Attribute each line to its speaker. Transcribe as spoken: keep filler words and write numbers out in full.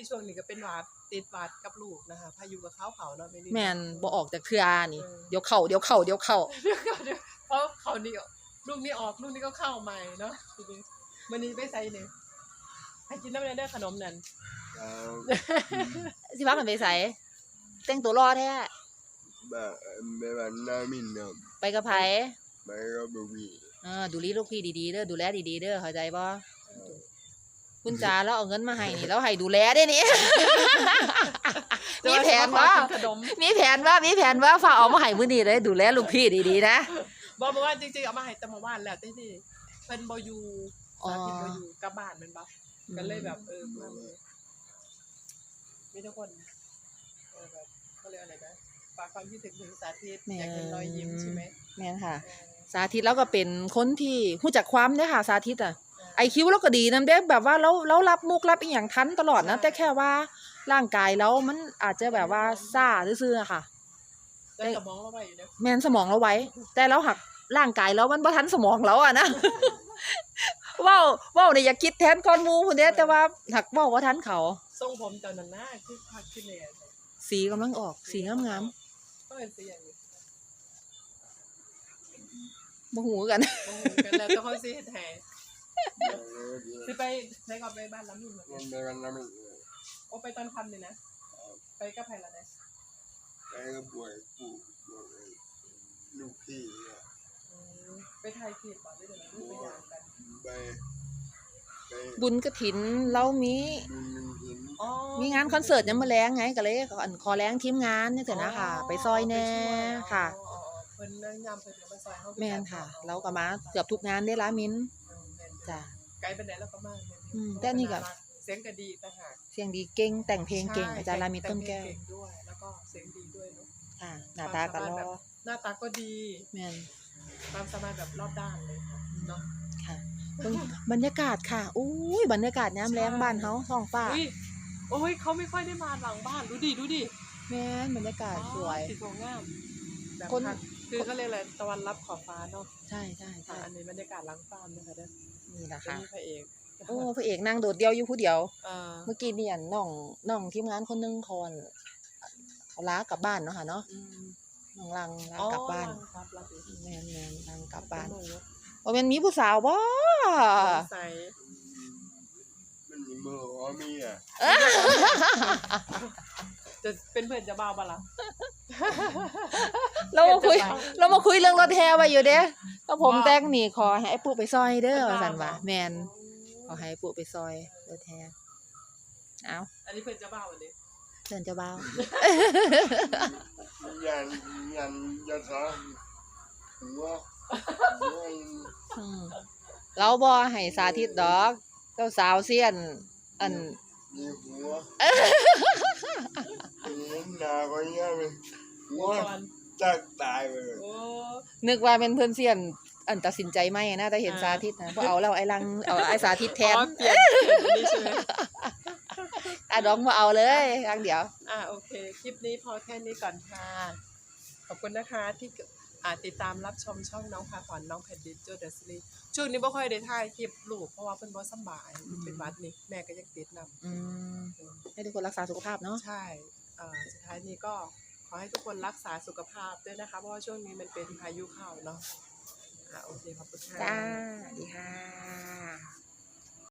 Speaker 1: ลี่ช่วงนี้ก็เป็นหวัดติดหวัดกับลูกนะคะพายุกับเขาเผาเนาะไม่ลี่
Speaker 2: แม่นบ่ออกจากเทื่อนี่เดี๋ยวเข้าเดี๋ยวเข้าเดี๋ยวเข้า
Speaker 1: เดี๋ยวก่อนเดี๋ยวเพราะเขานี่ลูกนี่ออกลูกนี่ก็เข้าใหม่เนาะทีนี้มื้อนี้ไปไสเนี่ยให้กินน้ำเด้อขนมนั่น
Speaker 2: สิพากันไปไสแต่งตัวรอแท้
Speaker 3: แบบแบบน้ามินครับ
Speaker 2: ไปกับไผ
Speaker 3: ไปกับลูกพี่
Speaker 2: เออดูแลลูกพี่ดีๆเด้อดูแลดีๆเด้อเข้าใจบ่คุณจ๋าแล้วเอาเงินมาให้นี่แล้วให้ดูแลได้นี่มีแผนบ่มีแผนว่ามีแผนว่าฝากเอามาให้มื้อนี้เลยดูแลลูกพี่ดีๆนะ
Speaker 1: บ่บ่ว่าจริงๆเอามาให้แต่เมื่อวานแล้วแต่ที่เพิ่นบ่อยู่สาธิตบ่อยู่กลับบ้านแม่นบ่ก็เลยแบบเออมาเลยมีทุกคนเออแบบเขาเรียกอะไรนะฝากความคิดถึงถึงสาธิตอยากเห็นรอยยิ้มใช่ไหม
Speaker 2: แม่นค่ะสาธิตแล้วก็เป็นคนที่รู้จักความเด้อค่ะสาธิตอ่ะไอคิวเราก็ดีนำเด้แบบว่าเราเรารับมุกรับอีหยังทันตลอดนะแต่แค่ว่าร่างกายเรามันอาจจะแบบว่าซ่าซื่อๆค่ะ
Speaker 1: แต่สมองเราไว้อยู่เด้อ
Speaker 2: แม่นสมองเราไว้แต่เราหักร่างกายเรามันบ่ทันสมองเราอ่ะนะเว้าเว้านี่อย่าคิดแทนคนหมู่พุ่นเด้แต่ว่าหักเว้าบ่ทันเขา
Speaker 1: ทรงผมตอนนั้นน่ะคือพักขึ้นเลย
Speaker 2: สีกำลังออกสีงาม
Speaker 1: ๆก็เป็นสีอย่างนี้
Speaker 2: บ่ฮู้กัน
Speaker 1: บ่ฮู้กันแล้วต้องเขาสิเฮ็ดให้สิไปใช้ก่อนไปบ้านล้ำอยู่เหมือนกัน
Speaker 3: ไปบ้านล้ำอยู่
Speaker 1: โอ้ไปตอนค่ำเลยนะไปกับไผล่ะนะ
Speaker 3: ไปกับป่วยปู่ลูกพี่
Speaker 1: ไปถ่ายคลิปบ่ได้เด้อลูกไปย่างกัน
Speaker 3: ไป
Speaker 2: บุญกฐินเรามีมีงานคอนเสิร์ตยามมื้อแลงไงก็เลยอันขอแรงทีมงานจังซี่นะค่ะไปซอยแน่ค่ะ
Speaker 1: เพิ่นแนะนำเพิ่นมาซอยเฮา
Speaker 2: แม่นค่ะเราก็มาเกือบทุกงานได้ล่ะมิ้นจ้ะ
Speaker 1: ไกลปานใดแล้วก็มา
Speaker 2: อืมแต่นี่ก็
Speaker 1: เสียงก็ดีต่างหาก
Speaker 2: เสียงดีเก่งแต่งเพลงเก่งอาจารย์รามิตต้นแก้ว
Speaker 1: เก่งด้วยแล้วก็เสียงดีด้วยเนาะ
Speaker 2: ค่ะหน้าตาก็หล่อ
Speaker 1: หน้าตาก็ดี
Speaker 2: แม่น
Speaker 1: ความสามารถแบบรอบด้านเลยค่ะเนาะ
Speaker 2: ค่ะบรรยากาศค่ะอุ้ยบรรยากาศยามแลงบ้านเฮาท้องฟ้า
Speaker 1: อุ้ยโอ้ยเขาไม่ค่อยได้มาหลังบ้านดูดิดูดิ
Speaker 2: แม่นบรรยากาศสวย
Speaker 1: สวยงามแบบคนคือเขาเรียกอะไรตะวันรับขอบฟ้าเนาะ
Speaker 2: ใช่ๆๆ
Speaker 1: อันนี้บรรยากาศหลังฟาร์มนะคะเด้อ
Speaker 2: นี่ล่ะค่ะ
Speaker 1: พระเอก
Speaker 2: โอ้พระเอกนั่งโดดเดี่ยวอยู่ผู้เดียว
Speaker 1: เออ
Speaker 2: เมื่อกี้นี่อันน้องน้องทีมงานคนนึงเขาอันเขาลากลับบ้านเนาะค่ะเนาะน้องลังลากลับบ้านแม่นๆลังกลับบ้านบ่แม่นมีผู้สาวบ่
Speaker 1: ใส่
Speaker 3: มันมีมืออ๋อมีอ่ะ
Speaker 1: จะเป็นเพื่อนจะบ้าบ่ล่ะ
Speaker 2: เรามาคุยเรามาคุยเรื่องรถแห่ไว้อยู่เด้ก็ผมแต่งนี่ขอให้ไอ้ปู่ไปซอยเด้อว่าซั่นว่าแม่นขอให้ปู่ไปซอยรถแห่เอ้า
Speaker 1: อันนี้เพื่อนจะบ้าบ่เด้
Speaker 2: เพิ่นจะบ้า
Speaker 3: ยันยันยันซะหัว
Speaker 2: อืมเราบ่ให้สาธิตดอกเจ้าสาวเซียนอัน
Speaker 3: มีหัวเห็นหน้าก็ยังเป็นหัวจักตายไปเลย
Speaker 2: นึกว่าเป็นเพิ่นเซียนอันตัดสินใจใหม่นะแต่เห็นสาธิตนะบ่เอาแล้วไอ้ลังเอาไอ้สาธิตแทน
Speaker 1: อ๋อเปลี่ยนนี่ใช่มั้ย
Speaker 2: อ่ะดอกบ่เอาเลยครั้งเดียว
Speaker 1: อ่ะโอเคคลิปนี้พอแค่นี้ก่อนค่ะขอบคุณนะคะที่อ่าติดตามรับชมช่องน้องพาขวัญน้องแผ่นดินโจเดอะซีรีส์ช่วงนี้บ่ค่อยได้ถ่ายคลิปลูกเพราะว่าเพิ่นบ่สบายเป็นหวัดนี่แม่ก็ยังติดนำ
Speaker 2: อืมให้ทุกคนรักษาสุขภาพเนาะ
Speaker 1: ใช่เอ่อสุดท้ายนี้ก็ขอให้ทุกคนรักษาสุขภาพด้วยนะคะเพราะว่าช่วงนี้มันเป็นพายุเข้าเนาะอ่ะโอเคขอบคุณค่ะ
Speaker 2: จ้าสวัสดีค่ะ